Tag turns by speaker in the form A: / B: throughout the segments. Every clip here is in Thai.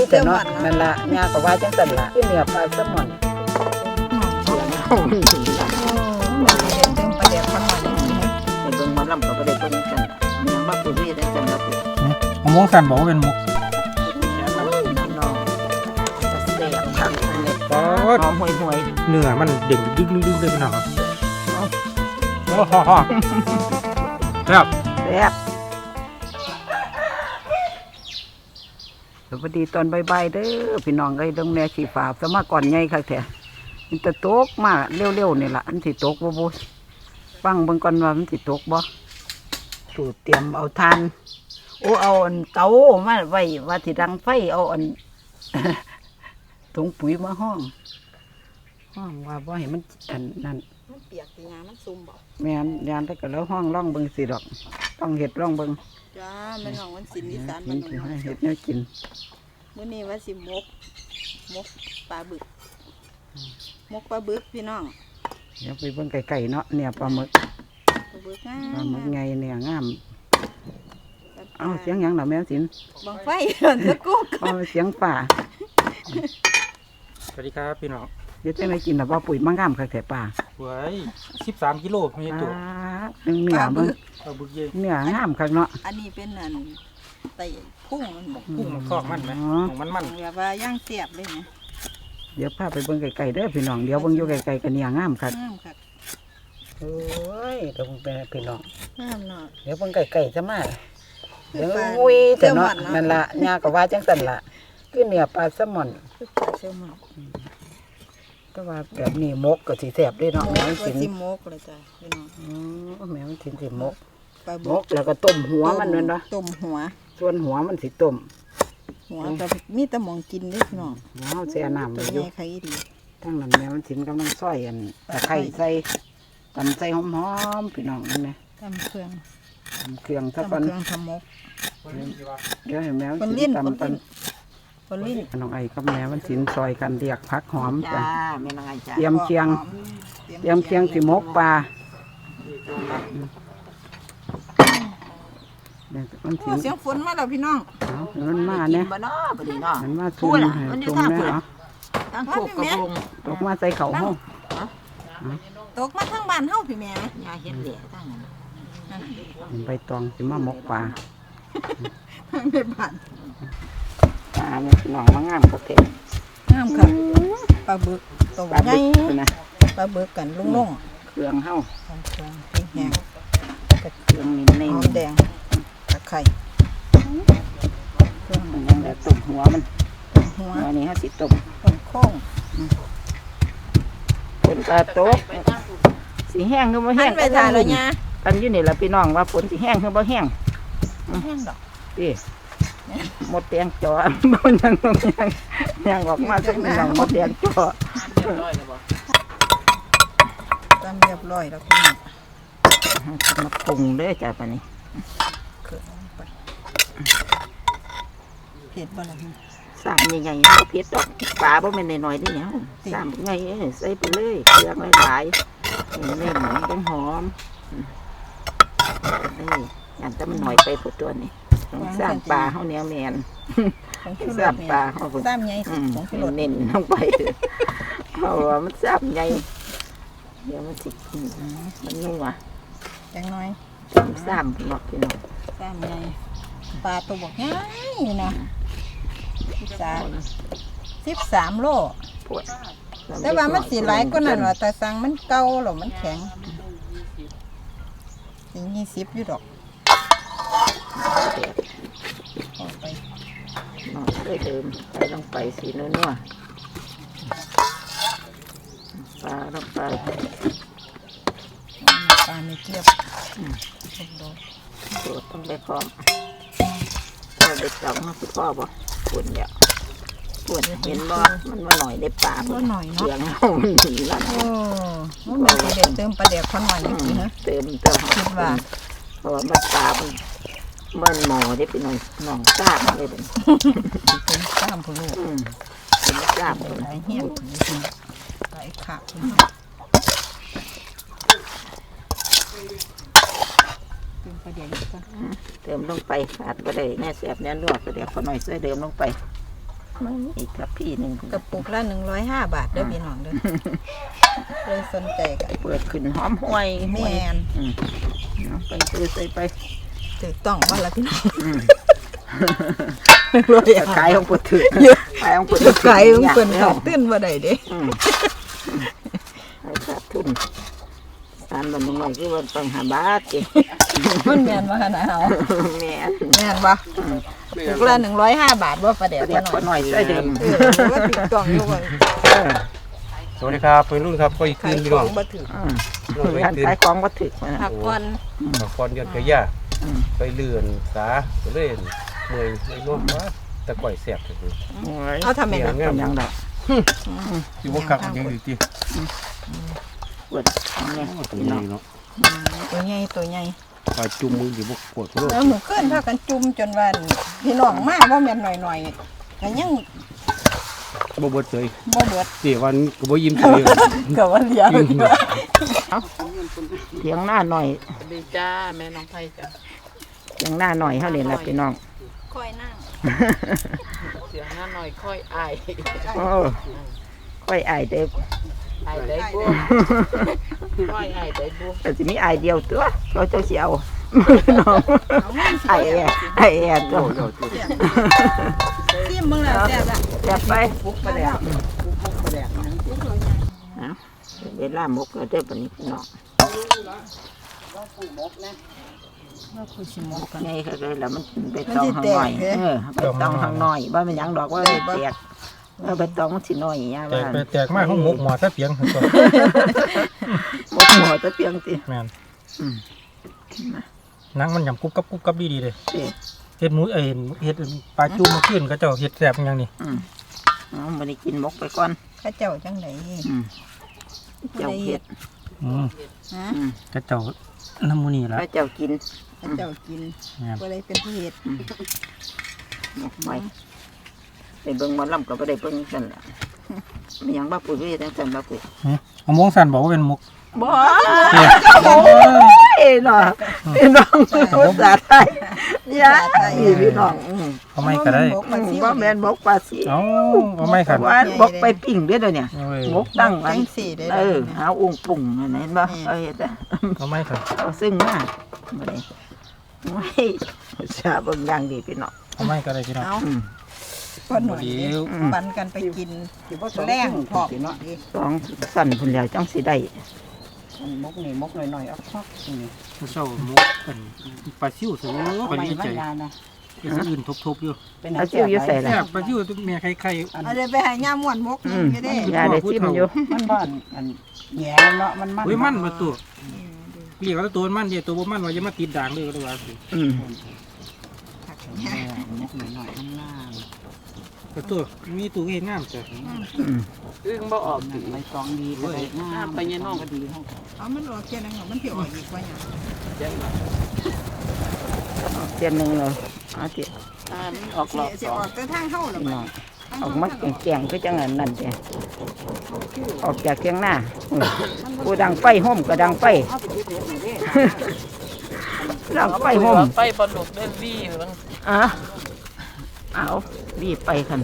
A: แต่เนาะนั่นล่ะย่าก็ว่าจังซั่นล่ะคือเนื้อปลาแซลมอน
B: เติมปลาแดกขนม
C: เป็นเบิ่งมาลำกับประเด็นเบิ่งกันยังมาปุ๋ยได้จังแล้วปุ๋ย
D: มกสันบอกว่าเป็นมก
C: น้องจะเสียบขังเลยหอมห่วย
D: เนื้อมันเด่งดึกเลยพี่น้องโอ้โหครับ
C: แซ่บ
A: สวัสดีตอนบ่ายๆเด้อพี่น้องเอ้ยดงแม่สีฟ้าสมาก่อนใหญ่คักแท้มันจะตกมาเร็วๆนี่ล่ะมันสิตกบ่ฟังเบิ่งก่อนว่ามันสิตกบ่สูตรเตรียมเอาทานโอ้เอาอันเตามาไว้ว่าสิดังไฟเอาอัน ถุงปุ๋ยมาห้องว่าบ่ให้มันอันนั่น
B: มันเปียกตีงามันซุ่มบ่
A: แม่นยานแต่ก็แล้วห้องร่องเบิ่งสิดอกต้องเฮ็ดร่องเบิ่ง
B: จ้าแม่น้องวันศิลป์อีสาน
A: มั
B: มัน น
A: สิให้เฮ็ดแนวกิน
B: มื้อนี้ว่าสิมกปลาบึกปลาบึกพี่น้อง
A: เดี๋ยวไปเบิ่งไก่ๆเนาะเนี่ยปลาหมึกปลาหมึกไงเนี่ยงามเอาเสียงหยังล่ะแม่สิน
B: บังไฟตะกุก
A: เอาเสียงป่า
D: สวัสดีครับพี่น้อง
A: เดี๋ยวจะได้กินแบบว่าปุ๋ยมะงามคักแต่ป่า
D: เว้ย13 กิโลไม่ใช่ตัว
A: เนื้อเบิ่ง
D: บึกเย่
A: เนื้องามคักเนาะ
B: อันนี้เป็นอันไตพุ่งมันบอก
D: กุ้งมันคอกมันไหมมัน
B: แบบว่าย่างเสียบเลยนะ
A: เดี๋ยวพาไปเบิ่งไก่ๆเด้อพี่น้องเดี๋ยวเบิ่งอยู่ไก่ๆกันเนี่ยงามคักโอ้ยเดี๋ยวเบิ่งไปพี่น้อง
B: งามเนาะ
A: เดี๋ยวเบิ่งไก่ๆจะมาเดี๋ยวงุยแต่เนาะนั่นล่ะย่าก็ว่าจังซั่นล่ะคือเนื้อปลาแซลมอนก็ว่าแบบนี้มกก็สิแซ่บด้วยเนาะแม่สิน
B: มกเลยจ้ะพี่น้
A: องแม่มันสิมกแล้วก็ต้มหัวมันนั่นเนาะ
B: ต้มหัว
A: ส่วนหัวมันสิต้ม
B: หัวก็มีแต่หมองกินเด้พี่น้อง
A: หัวแช่น้ำไว้อยู่ทั้งนั้นแม่มันสินกำลังซอยอันตะไคร้ใส่ตำใส่หอมๆพี่น้องนั่นแหละ
B: ตำเครื่อง
A: ซะก่อน
B: ทำมก
A: เดี๋ยวให้แม่มันสิตำน้องไอ้กับแม่มันสินซอยกันเรียกผักหอมจ้ะเตรียมเคียงสิมกปลา
B: เสียงฝนมาแล้วพี่น้อง
A: มันมาเนี่ยมันมาทุ่มเนี่ยเหรอ
C: ตั้งโขกกระพง
A: ตกมาใส่เข่าห้อง
B: ตกมาทั้งบ้านเฮาพี่แม่
C: ยาเห็ดเหลี่ยตั้งนั้น
A: ใบตองสิมามกปลา
B: ทั้งในบ้าน
A: ปลาเนี่ยหน่องมางามกระเทง
B: งามค่ะปลาบึกตัวใหญ่ปลาบึกกันลุง
A: เครื่องเฮา
B: เครื่องแห้ง
A: เครื่องนิ่ม
B: หอมแดงตะไคร้
A: เครื่องมันยังแบบต้มหัวมันหัวนี้ฮะสิต้ม
B: โค้ง
A: ฝนตาตกสีแห้งคือบ่แห้ง
B: ไปทานแล้วเนี่ย
A: กันอยู่นี่แหละพี่น้องว่าฝนสีแห้งคือบ่แห้ง
B: แห้งดอก
A: พี่หมดแดงจ่อบ่ยังออกมาสักหน่อยหมดแดงจ่อ
B: ตามเรียบร้อยแล้วพี่น้อง
A: มาปรุงเด้อจ้ะปะนี้
B: เผ็ดบ่ล่ะ
A: สามใหญ่ๆเผ็ดดอกปลาบ่แม่นน้อยๆนี่เนี่ยสามใหญ่ใส่ไปเลยเครื่องหลายๆเล่นๆต้องหอมนี่อย่างแต่มันหน่อยไปพอตัวนี้สร้างปลาเฮาแนวแมนสร้างปลาเฮา
B: ซ้ำใหญ่
A: เน้นลงไปเพราะว่ามันซ้ำใหญ่เดี๋ยวมันสิมันนัว
B: จังน้อย
A: ซ้ำหลอกพี่น้อง
B: ซ้ำใหญ่ปลาตัวบอกง่ายนะ13 โลแต่ว่ามันสีไหลก็นั่นว่าแต่สั่งมันเก่าหรอมันแข็ง20อยู่ดอก
A: ไปน้องได้เติมใส่ลงไปสีนัวปลาลงไป
B: ปลาไม่เทียบ
A: โดดต้องไปพร้อมเราเด็กสองมาคือพ่อบ่ปุ่นเนี่ยปุ่นเห็นบ่มันมาหน่อยได้ปลา
B: ก็หน่อยเนาะ
A: เสียงเขามันหนีละ
B: มันมีประเด็นเติมปลาแดกขนมนี่สิฮะ
A: เติมคิดว่าเพราะว่ามันปลามันหมอได้เป็นหน่องซ่าเลยเป็น
B: ซ่ามผู้ลูก
A: เป็นซ่าผู้
B: ไหลเหี้ยไหลขาด
A: เติมลงไปขาดไปเลยแน่แสบแน่นวดก็เดี๋ยวขอหน่อยช่วยเติมลงไป
C: มันอีกกับพี่หนึ่ง
B: กระปุกละ105 บาทเด้อพี่น้องเด้อเลยสนใจกัน
C: เปิดขึ้นหอมห้วย
B: แม่น
C: เอาไปซื้อใส่ไป
B: ถูกต้องว่าละพี่น้อง
C: ขายของปวดถึกขายของปวด
B: ขายของเพิ่นขาดตื้นบ่ได้เด้
C: ขาดทุนสารบันหน่อยคือวันต้องหาบาทเอง
B: มันแม่นบ่หั่นน่ะเฮา
C: แม่
B: แม่นบ่ถูกละ105 บาทบ่ประเดี๋ยว
C: เรียก
B: บ่
C: คนห
B: น้อย
C: น่อยใส่เดิม
B: ว่าถูกต้องอยู่บ่
D: สวัสดีครับเป็นรุ่นครับก็อีก
B: ขา
D: คื
B: ย
D: นพี่
B: ข
D: น้
B: อ
D: อง
B: งบ่ถูก
C: การขายของวัตถุ
B: ผักผ่อน
D: กับฟอนเดือนกระยาไปเลื่อนสาไปเล่นเมื่อยไม่นอนว่าตะก่อยแสบเลย
B: เอาทำแม่น
C: เป็นยังไง
D: อยู่ว่าคักยังอยู่ที่
C: ปวดเนี่ย
D: ตรงนี้เนาะ
B: ตัวใหญ่ตัวใหญ่
D: ปลาจุ่มมืออยู่บกปวดโรค
B: แล้วหนูขึ้นพากันจุ่มจนว่าพี่น้องมาบ่แม่นหน่อยๆก็ยัง
D: บ่เบิดเลย
B: บ่เบิด
D: เสียวันก็บ่ยิ้มเลย
B: ก็ว่าเหลียว
C: เถียงหน้าหน่อย
E: ดีจ้าแม่น้องไผ่จ้ะ
C: เถียงหน้าหน่อยเขาเนี่ยนะพี่น้อง
B: ค่อยนั่ง
E: เสียงหน้าหน่อยค่อยอาย
C: ค่อยอายเด็ก
E: อายได้บุค่อยอายได้บุ
C: แต่สิมีอายเดียวตัวเราเจ้าเสียวน้องไอแอตัว
B: ซิมเบิ่งแล้วแซ่บละ
C: แซ่บไป
E: ปุ๊บไปแล้ว
C: เวลามกแล้วเด้อปนี้พี่น้อง
B: ว่าคุยสิหมกกัน
C: ไงก็เลยแล้วมันไปตองข้างหน่อยไปตองข้างหน่อยว่ามันยังดอกว่าแตกไปตองมันสิน้อยย่า
D: แต
C: บ้าก น
D: ไปแตกมากห้องหมกหมอซะเปียงก่อน
C: มกหัวตะเปียงสิ
D: แม่นนังมันยำกุ๊บกับดีเลย
C: สิ
D: เฮ็ดหมูเฮ็ดปลาจุ่มมาขึ้นก็เจ้าเฮ็ดแสบอย่างนี้
C: มันได้กินมกไปก่อน
B: ข้าเจ้าจังได๋
C: เจ้าเห็ด
B: ฮะ
D: ก็เจ้าน้ำมูนี่ละ
C: พระเจ้ากิน
B: ข้าเจ้ากิน
D: แม่น
B: บ่ได้เป็นผู้เฮ็ด
C: มกไปไปเบิ่งหมอลำก็บ่ได้เบิ่งกันล่ะมีหยังบ้าปุ๋ยจังซั่นบ้าปุ๋ย
D: เอามงสันบอกว่าเป็นมก
C: บ่เอ้เนาะพี่น้องภาษาไทยยาพี่น้อง
D: เอาไม่ก็ได้
C: บ่แม่นมกปลาสิ
D: เอาไม่ครับ
C: ว่าบกไปปิ้งเด้อเดี๋ยวนี้มกตั้งอั
B: จั
C: น
B: งสี่ได้
C: หาอุ้งปุ่งอันนั้นบ่เฮ็ด
D: เอาไม่ครับ
C: เอาซึ่งมาบ่ได้โอ้ยชาเบิ่งอย่างดีพี่น้อง
D: เอาไม่ก็ได้พี่น้อง
B: เอาคนหน่อยปันกันไปกินแรงพอกเนาะ
C: สองสั่นพุ่นแล้วจังสิได้
A: มกนี่มกหน่อยๆเอาพักนี่
D: เช้ามกเป็นปลาซิ่วสูงไปนี่ใจเป็นอื่นทบอยู่
A: เป็น
C: เอาจิ้วอยู่ใส่ล่ะ
D: แซ่บปลาซิ่วเมียใคร
B: เอาได้ไปให้ย่าม่วนมกนึงอยู่เด้
C: ยาได้ซิมอยู่
A: มันบ้านอันแหง่เนาะมันมัน
D: อุ้ยมันมาตัวเรียกว่าตัวมันเดียวตัวบ่มันว่าจะมาติดด่างเลยก็ได้ว่าสิ
A: มกหน่อยๆข้างล่าง
D: ก็ตัวมีตัวเห็นงามจ้ะ
E: อึ้งบ่ออก
A: ใบตองดีก็ได้งาม
E: ไปยันน้อง
A: ก็ดีห้อง
B: เอามันออกแค่นั้นมันสิออกอีกว่าหยัง
C: เตียนหนึ่งเลยเอาเตียน
E: มันออกหลอก
B: สิออกแต่ทางเฮาล่ะ
C: พี่
B: บั
C: น้
B: ด
C: องออกมาแกงๆก็จังอันนั่นเตียออกจากเทียงหน้ากูดังไฟห่มก็ดังไฟดังไฟห่ม
E: ไปปลาดุกได้วี่หรือ
C: เอารีบไปคัน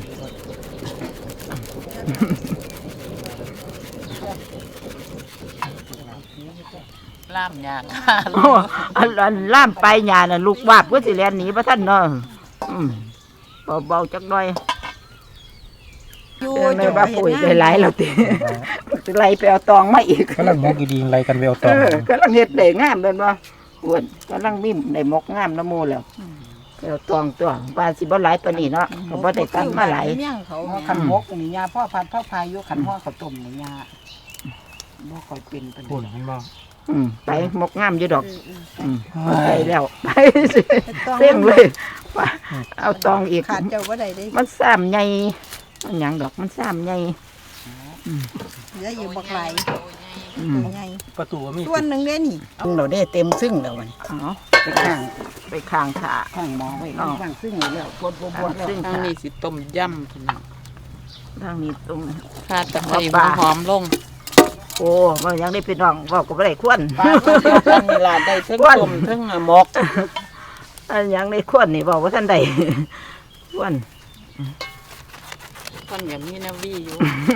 E: ล่ามยาก
C: อันล่ามไปหยาน่ะลูกวาบก็สิแลนหนีพระท่านเนาะเบาๆจักหน่อย
B: อยู่
C: ในบ้าปุ๋ยได้หลายแล้วติไล่ไปเอาตองมาอีก
D: กำลังมกดีๆอะไรกันไปเอาต่อก
C: ำลังเฮ็ดได้งามเป็นบ่อ้วนกำลังมิ่มได้มกงามน้ำมูแล้วไปเอาตองตัวปลาสิบ่หลายตัวนี้เนาะก็บ่ได้ตัดมาหลาย
B: เมี่ยงเขา
A: ขันมกนี่ยาพ่อพัดพ่อพายุขันพ่อข้าวต้มนี่ยาบ่ค่อยเป็นปาน
D: พูด
A: ใด
D: เห็นบ่
C: ไปมกงามอยู่ดอกไปแล้วไปสิเส้งเลยไปเอาตองอีก
B: ขาดเจ้าบ่ได้เด้
C: มันซ้ำใหญ่มันหยังดอกมันซ้ำใหญ่
B: เหลืออยู่บักหลายใหญ่
D: ประตูมี
B: ส่วนหนึงเด้นี่
A: เราได้เต็มซึ่งแล้วมัน
C: อ๋อ
A: ไปข้าง
C: ไปข้างขา
A: ข้างหมอไว้ข้างซึ่งแล้วปวดแล้ว
C: ซึ่ง
E: ทาง
C: ขา
E: นี้สิต้มยำพี่น้อง
C: ทางนี้ตรง
E: ขาดตะไคร้หอมลง
C: โอ้มันยังได้พี่น้องบอกก็ไม่ได้ควน
E: ปลาเวลาได้ทั้งต้มทั้งหมก
C: อันยังได้ควนนี่บอกว่าท่านใดควน
E: คนก็มีแนววีอยู่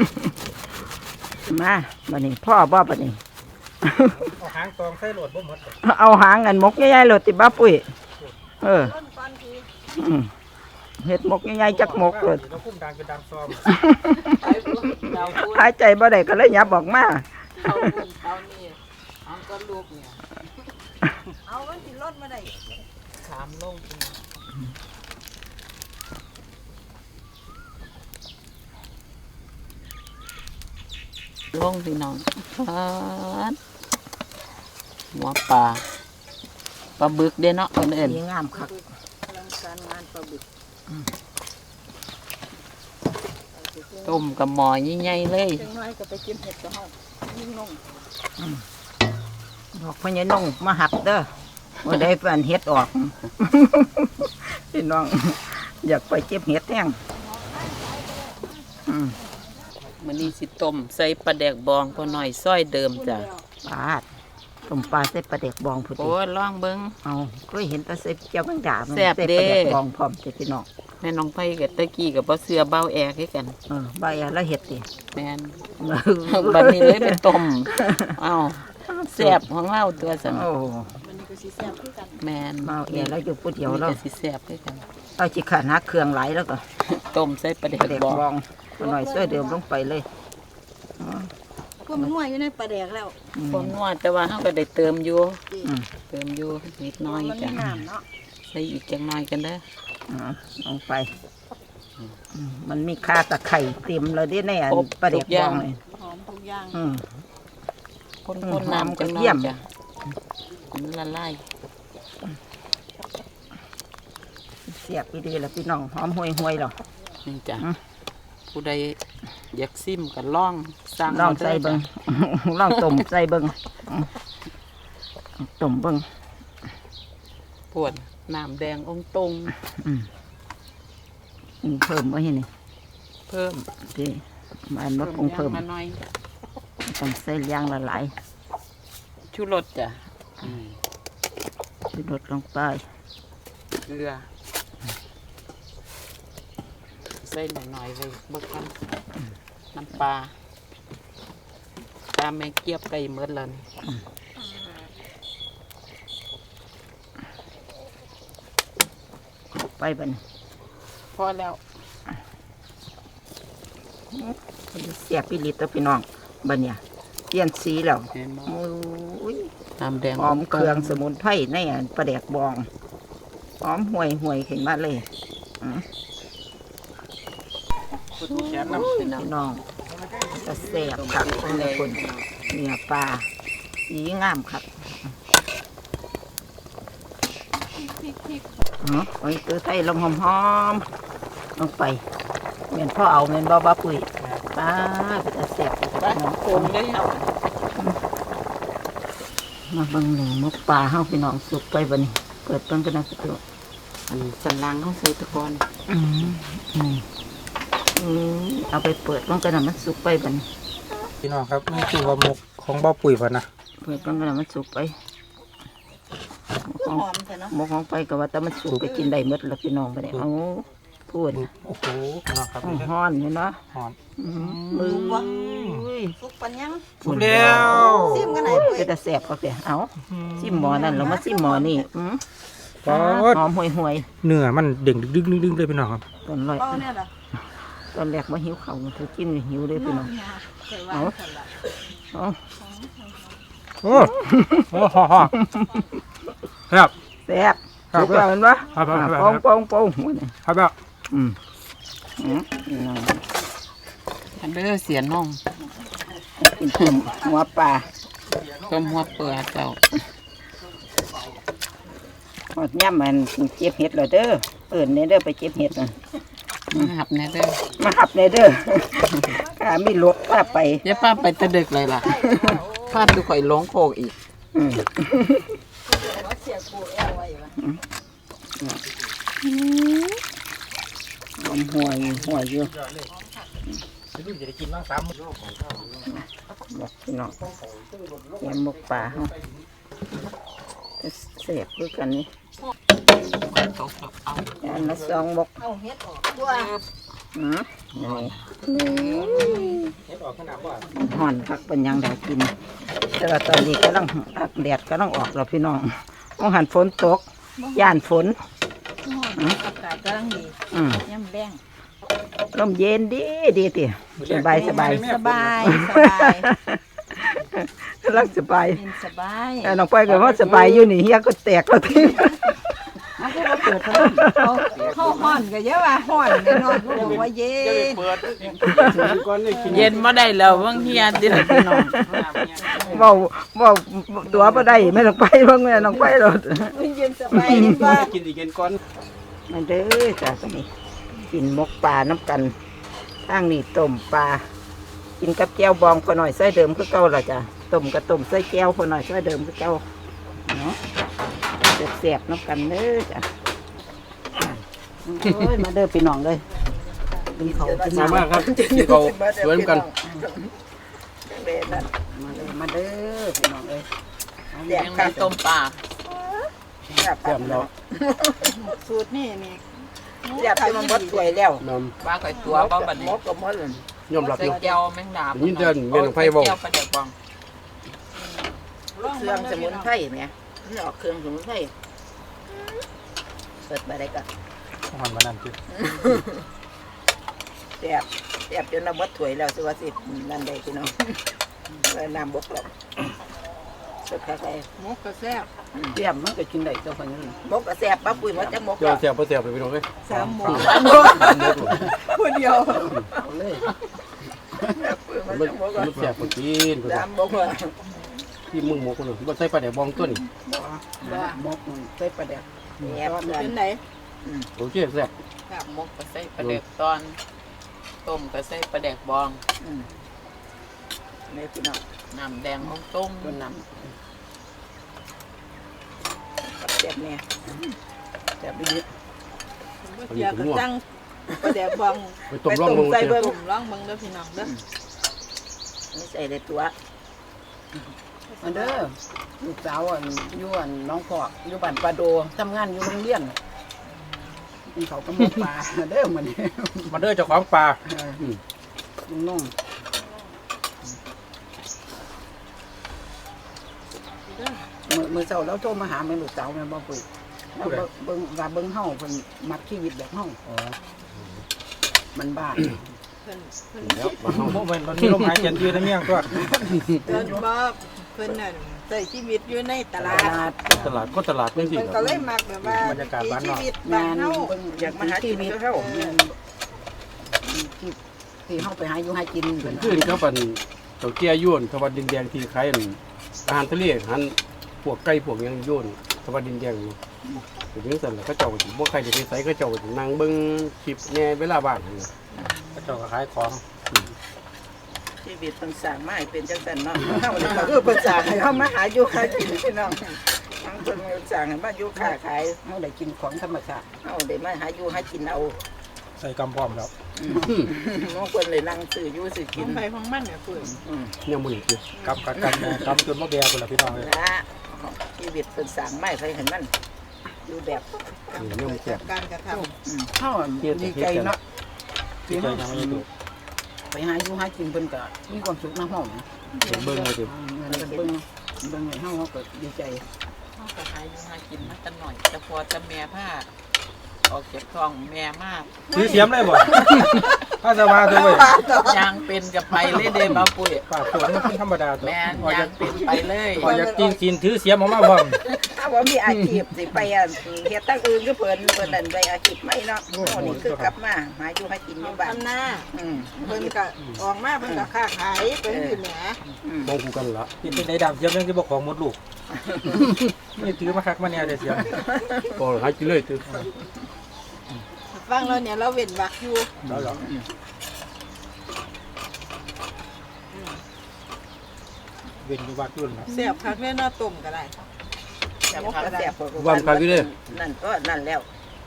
C: มาบัดนี้พ่อบ่บัดนี้
D: เอาหางตองใส่โหลดบ่หมด
C: เอาหางกันมกใหญ่ๆโลดติบ้าปุ้ยอืมเฮ็ดมกใหญ่ๆจักมกโลด
D: เราคุ้มดังเป็นดังซ้อม
E: ไปพุ่นเดาพุ่น
C: หายใจบ่ได้ก็เลยยับออกมา
E: เขาพุ่นเขานี่เอาก็ลูกเนี่ย
B: เอามันสิรถมาได้
E: ถามลงพุ่นลงพี่น้องหัวปลาบึกเด้เนาะคนอื่น
C: สีงามคัก
B: อลังการงานปลาบึก
E: ต้มกับหม้อใหญ่ๆเลย
B: จังน้อยก็ไปกินเห็ดกับเฮายิ่งนง
C: บอกพ่อใหญ่น้องมาหับเด้อบ่ได้ฝันเฮ็ดออก พี่น้อง อยากไปเก็บเห็ดแห้งอืม
E: มื้อนี้สิต้มใส่ปลาแดกบองพอหน่อยซอยเดิมจ้ะ
C: ปลาดต้มปลาใส่ปลาเด็กบองพุ่น
E: โอ้ยลองเบิ่ง
C: เอาเคยเห็นแตาใส่เจียวแมงดามัน
E: แซ่บ
C: ใส่
E: เด้
C: ปลาเด็กบองพร้อมเด้อพี่น้อง
E: แม่น้องไผกับตะกี้กับบ่เสือเบาแอคือกัน
C: ใบอะไรเห็ดดิ
E: แม่น บัดนี้เลยไปต้มเอ้าแซ่บของเราตัวสั่น
C: โอ้
B: มันนี่ก็สิแซ่บคือกัน
E: แม่น
C: เมาเอียแล้วอยู่ผู้เดียว
E: นี่
C: แล้ว
E: ก็สิแซ่บคือกัน
C: เราจิขาดหาเครื่องไหลายแล้วก็
E: ต้มใส่ปลาแด
C: ป
E: ก
C: ลาเด็ก
E: บอง
C: บองหน่อยช่วยเดิมลงไปเลยอ๋อ
B: พวกมันนัวอยู่ในปลาแดกแล้ว
E: ความนัวแต่ว่าเฮาก็ได้เติมอยู่
C: อืม
E: เติมอยู่นิดหน้อย
B: มันมี
E: จ้ะ
B: น้ำเนาะ
E: ใส่อีกจังหน่อยกันเด้อ
C: ลงไปมันมีค่าตะไคร่เต็มเลยเด้ในอันปลาเด็กบองเลย
B: หอมทุกอย่าง
C: อืม
E: คนๆน้ำจังหน่อ
C: เยี่
E: ย
C: ยม
E: จ้ะมันละลาย
C: เสียบไปดีแล้วพี่น้องหอมห่วยๆหรอ
E: นี่จ้ะ
C: อืม
E: ผู้ใดอยากซิมก็ลองสั่ง
C: ลอง
E: มาด้
C: ใส่เบิง ลองต้มใส่เบิงอืมต้มเบิง
E: ปวดน้ำแดงองตรง
C: เพิ่มไว้ให้นี่
E: เพิ่ม
C: ที่มันมาปรุงเพิ่ม
E: มาหน่อย
C: ต้องใส่ย่างละหลาย
E: ชูรสจ้ะ
C: ชูรสลงไป
E: เกลือใส่หน่อยๆไว้เบิกกันน้ำปลาแม่เกียบไก่เมื่อแล้วนี่
C: ไปบัดน
E: พอแล้ว
C: เสียบปีลิตรพี่น้องบัดเนี่ยเปลี่ยนสีแล้ว
E: เห็นบ่
C: โอ้ย
E: น้ำแดง
C: หอมเครื่องสมุนไพรในอันปลาแดกบองหอมห่วยขึ้นมาเลยอืม
D: แขนน้ำ
E: พี่น้อง
C: พี่น้องจะแซ่บคักคนในคนเนื้อปลาสีงามคักโอ้ยตัวไทยลงหอมๆลงไปเหมือนพ่อเอาเหมือนบ้าปุ๋ยปลาเป็นตาแซ่บ
E: ไป
C: พี่น้อง
E: โคมได้เอา
C: มาเบิ่งหนึ่งมุกปลาเฮาพี่น้องสุกไปบัดนี้เปิดเบิ่งกันนะพี่ตัว
E: อันสันหลังเขาใส่ตะกอน
C: เอาไปเปิดเบิ่งกันนะมันสุกไปบัดนี้
D: พี่น้องครับนี่คือว่าหมกของบ่ปุ๋ยพ่นนะ
C: เปิดเบิ่งกันนะมันสุกไป
B: หอมใช่เนาะ
C: หมกของไปก็ว่าแต่มันสุกก็กินได้หมดแล้วพี่น้องบัดนี้เอาพูด
D: โอ้โหพี่น้องครับ
C: ฮ้อนอยู่เนาะ
D: หอน
C: มือ
B: สุกปันยัง
D: สุกแล้ว
B: ซิมกันไหนปุ้ย
C: เป็นตาแซ่บก็เสียเอาซิมหมอนั่นเรามาซิมหมอนี่
D: ก็
C: หอมห่วย
D: เนื้อมันเด้งดึงๆเลยพี่น้องครับ
C: ๆตอนแรก
B: เป้าเนี่ยล่ะ
C: ตอนแรกมาหิวข้าวเธอกินหิวเลยพี่น้อง
B: เคยว่ากันล่ะ
C: เอา
D: โอ้โหครับ
C: แซ่บ
D: ครับ
C: สุกแล้วเห็นปะ
D: ครับครับครับ
C: ปองหัวนี่
D: ครับแบบ
E: อันเด้อเสียน้อง
C: กินต้มหัวปลา
E: ต้มหัวเปลือกเจ้า
C: หอดย่ำมันเจ็บเห็ดเลยเด้อเอิญเนี่ยเด้อไปเจ็บเห็ดน่ะ
E: มาหับแน่เด้อ
C: มาหับเนี่ยเด้อ ข้ามีรถพาไป
E: อย่าป้าไปแตะดึกเลยล่ะพาดูข่อยหลงโคกอีก
B: ว่าเสียกูแอลไว้วะ
C: หอมห่วยอยู่
D: จะได้กินบ้างซ้ำ
C: บอกพี่น้องแกงหมกปลาเฮาเสียบด้วยกันนี่
E: ตกแล้วเอา
C: อันละ2 หมก
B: เอาเฮ็ดออกตัว
C: อืม
D: เฮ็ดออกขนาดว่า
C: ห่อนพักเป็นหยังได้กิน แต่ว่าตอนนี้กำลังแดดกำลังออกแล้วพี่น้องมองหันฝนตกย่านฝน
B: อากาศกำลังดี
C: อืม
B: ย่ำแรง
C: ลมเย็นดีดีติสบายสบาย
B: สบายสบาย
C: รักสบาย
B: เย็นสบาย
C: น้องไปก็ว่าสบายอยู่นี่เฮียก็แตกแล้วที
B: เข้าห้อนก็เยอะว่าห้อนแน่นอนก็บอกว่าเย็น
D: เปิดก่อนนี่กิน
E: เย็นบ่ได้แล้วบางเฮียติล่ะพี่น้อง
C: เว้าตัวบ่ได้แม่น้องไปเบิ่งแม่น้องไปรถ
B: เย็นสบายเย็นว่า
D: กินอีกกินก่อน
C: มาเด้อจ้ะตอนนี้กินหมกปลาน้ำกันตั้งนี่ต้มปลากินกับแก้วบองพอหน่อยใส่เดิมคือเก่าล่ะจ้ะต้มกับต้มใส่แก้วพอหน่อยใส่เดิมคือเก่าเนาะแซ่บๆน้ำกันเด้อจ้ะโอ้ยมาเด้อพี่น้องเลยกินเขาวกิน
D: มา
C: น้ำ
D: มากครับกินเขาสวยเหมือนกัน
C: มาเด้อพี่น้องเลย
E: ยังมีต้มปลา
D: แซ่บเนาะ
B: สูตรนี่นี่
C: อยากไปมันบดสวยแล้ว
D: น
E: ปลาข่อยตัวบ่บัดนี้
C: มกกับมดเลย
D: ำยอมรับอ
E: ใส่
D: ยู่
E: แก้วแมงดา
D: ยินเดินแม่นไผบ่
E: แก้วปลาแดกบอง
C: เครื่องสมุนไพรไหมนี่ออกเครื่องสมุนไพรเปิดไปได้ก็
D: มันมานั่นคือ
C: แซ่บจนเราบดถวยแล้วสิว่าสินั่นได้พี่น้องเลยน้ำบกแล้วสุดท้าย
B: มกกระแซ่บ
A: เตรียมมันก็กินได้เจ้าคนนี้
C: มกก็แซ่บป้าปุ้ยมาจากมก
D: เจ้าแซ่บบ่แซ่บไปพี่น้องเอ้ย
B: สามหมู
D: มัน
B: คนเดียว
A: เอาเลย
D: มันแซ่บบ่กิน
C: น้ำมกเลย
D: ที่มึงหมกคนนึงบ่ใส่ปลาแดกบองตัวนี้
A: มกใส่ปลาแดก
C: แซ่บเล
B: เป็
C: ย
B: นไหน
D: โอเคแซ่บ
E: หมกก็ใส่ปลาแดกตอนต้มก็ใส่ปลาแดกบอง
C: นี่พี่น้อง
E: น้ำแดงของต้ม
A: ตัวน้
C: แซ่บเนี่ย
A: ำแซ่บดี
B: เดี๋ยวก็จังก็เดี๋ยวบอง
D: ไปต้มร่องมึง
C: ใส่เบิ่ง
B: ตุ่มร้องเบิ่งเด้อพี่น้องเด้อ
C: นี่ใส่ในตัว
A: มาเด้อลูกสาวอยู่น้องพอกอยู่บ้านปลาโดทำงานอยู่โรงเรียนกินเขาวกับหมกปลามาเด้อมันนี้
D: มาเด้อเจ้าของปลา
A: ลุงน้องมือเช้าแล้วโทรมาหาแม่ลูกสาวแม่บ่ปุ้ยแล้วเบิ่งว่าเบิ่งเฮาเพิ่นมักชีวิตแบบเฮามันบ้าน
B: เพิ่น
D: แล้วมาเฮา
F: พวกมันมีลมหายใจยืดในเมี่ยงตัว
B: เพิ่นบ่เพิ่นน่ะใช้ชีวิตอยู่ในตลาด
D: ตลาดก็ตลาดเป็นสิ
B: เพิ่นก็เลยมักแบบว่าชีวิตบ้านเฮา
C: อยากมาหาชีวิตเขา
A: ที่เฮาไปหาอยู่หากิน
D: เป็นขึ้นครับอันเจ้าเกี้ยย่นทวัดดินแดงที่ขายอาหารทะเลอาหารพวกไก่พวกยังย่นทวัดดินแดงอยู่เป็นจังซั่นล่ะเขาเจ้าก็สิบ่ใครได้ไปไสเขาเจ้าก็สินั่งเบิ่งคลิปแหน่เวลาว่างนั่นน่ะ
F: กระจกขายของ
C: ชีวิตต้องสร้างมาให้เป็นจังซั่นเนาะเฮานี่ก็คือเพิ่นสร้างให้เฮามาหาอยู่หากินพี่น้องทั้งเพิ่นสร้างให้มาอยู่ค้าขาย
A: เฮาได้กินของธรรมชาติ
C: เฮาได้มาหาอยู่หากินเอา
F: ใส่กำพร้อมแล้ว
C: น้องเพิ่นเลยนั่งซื้ออยู่ซื้อ
B: ข
C: กิ
B: อน งไปของมันเนี่ยเพิ่น
D: ยังบ่ได้กิน
F: กำกำจนมะแบกคนละพี่น้องเลย
C: ละชีวิตเพิ่นสร้างมาให้เห็นมันอยู่แบบ
D: ยังบ่แซ่บ
B: การกระทำ
A: เฮาดีใจเนาะ
F: ที่
A: ที่
F: ใจ
A: เฮา
F: ยังไม่ถูก
A: ไปหาอยู่หากินเพิ่นก็มีความสุขนะเฮา
D: เบิ่งมาสิ
A: เบิ่งให้เฮาก็ดีใจ
E: เขาก็หาอยู่หากินมาแต่หน่อยแต่พอจะแม่ผ้าออกเก็บทองแม่มาก
F: ซื้อเสียมได้บ่ถ้าจะมาตัวเว้ย
E: ยางเป็นกับไปเลยเด้มาปุ้ย
F: ปากสวนมันเป็นธรรมดาตัว
E: แม่น
F: พอยาย
E: าก งเป็นไปเลย
F: พออยากกินกินถือเสียมออกมาพร้อม
C: ถ้าว่ามีอาชีพสิไปเฮ็ดตั้งอื่นก็เพิ่นนั่นไปอาชีพไม่เนาะโอ้นี่คือกลับมาหาอยู่หากินอยู่บ้าน
B: ทำหน้า
C: อืม
B: เพิ่นก็ออกมาเพิ่นก็ค้าขายเพิ่นอยู่แหม
D: มองกูกันละ
F: กินเป็นในดำเสียมยังจะบอกของหมดลูกนี่ถือมาคักมาเนี่ยแต่เสียม
D: ก็หากินเลยตึ
B: ฟังแล้วเนี่ยเราเว้นวักอยู่
F: แล้วหรอเว้นอยู่วัดรุ่นนะ
B: แซ่บคักแน่เนาะต้มก็ได้
C: แซ่บก็แซ่บ
D: ความคักอยู่เด้
C: นั่นก็นั่นแล้ว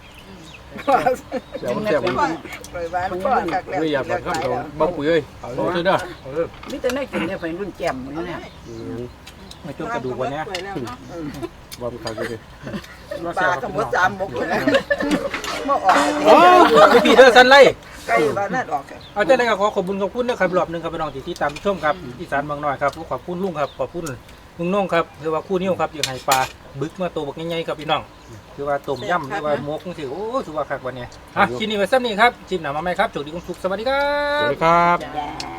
D: เดี๋ยวแซ่บ
C: ปล่อยบ้านก็คักแล้ว
D: ไม่อยากบัดครับเราบ่ปุ๋ยเอ้ยเอาเด้อ
A: มีแต่ได้กินเนี่ยไปรุ่นแจ่มอยู่เนี่ย
F: ไม่ต้องกระดูกวันนี้
B: สวยแล้วเนาะ
D: ความคักอยู่เด้
C: ปลาก็หมด3 มกแล้วบ่ออก
F: โอ้พี่เธอสันไล่
C: ใกล้บ้านนั่นออก
F: เอาใจเลยครับขอขอบคุณนะครับรอบหนึงครับพี่น้องที่ตามชมครับอีสานบางน้อยครับขอบคุณลุงครับขอบคุณลุงน้องครับคือว่าคู่นิ้วครับอยู่ไห้ปลาบึกมาตัวบักใหญ่ๆครับพี่น้องคือว่าต้มยำคือว่าหมกจังซี่โอ้ถือว่าคักวันนี้คลิปนี้ไว้ซ้ำนี้ครับคลิปหน้ามาใหม่ครับโชคดีคุณสุขสวัสดีครั
D: สวั
F: บ
D: สดีครับ
C: จ้า